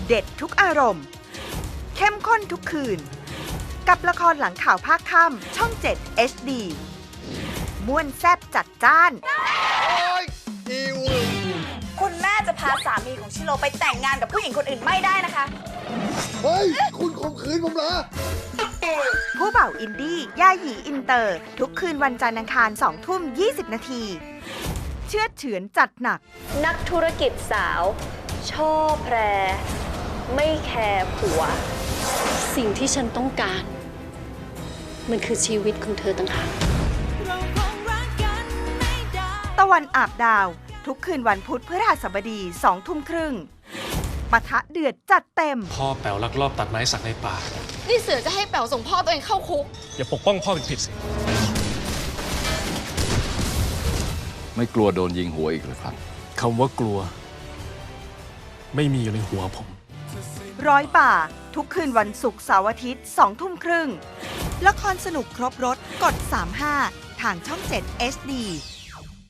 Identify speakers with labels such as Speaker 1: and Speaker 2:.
Speaker 1: เด็ดทุกอารมณ์เข้มข้นทุกคืนกับละครหลังข่าวภาคค่ำช่อง 7 HD ม่วนแซ่บจัดจ้าน
Speaker 2: คุณแม่จะพาสามีของชิโร่ไปแต่งงานกับผู้หญิงคนอื่นไม่ได้นะคะ
Speaker 3: เฮ้ย คุณข่มขืนผมเหรอ
Speaker 1: ผู้บ่าวอินดี้ย่าหยีอินเตอร์ ทุกคืนวันจันทร์อังคาร 20:20 นาทีเชื่อดเฉือนจัดหนัก
Speaker 4: นักธุรกิจสาวช่อแพร ไม่แคร์ผัว สิ่งที่ฉันต้องการ มันคือชีวิตของเธอต่างหาก
Speaker 1: ตะวันอาบดาว ทุกคืนวันพุธพฤหัสบดี 20:30 ปะทะเดือดจัดเต็ม
Speaker 5: พ่อแป๋วลักลอบตัดไม้สักในป่า
Speaker 6: นี่เสือจะให้แป๋วส่งพ่อตัวเองเข้าคุก
Speaker 5: อย่าปกป้องพ่อเป็นผิดสิ
Speaker 7: ไม่กลัวโดนยิงหัวอีกหรือครับ
Speaker 5: คำว่ากลัว ไม่มีอยู่ในหัวผม
Speaker 1: ร้อยป่า ทุกคืนวันศุกร์เสาร์อาทิตย์ 20:30 ละครสนุกครบรถกด 35 ทางช่อง 7 HD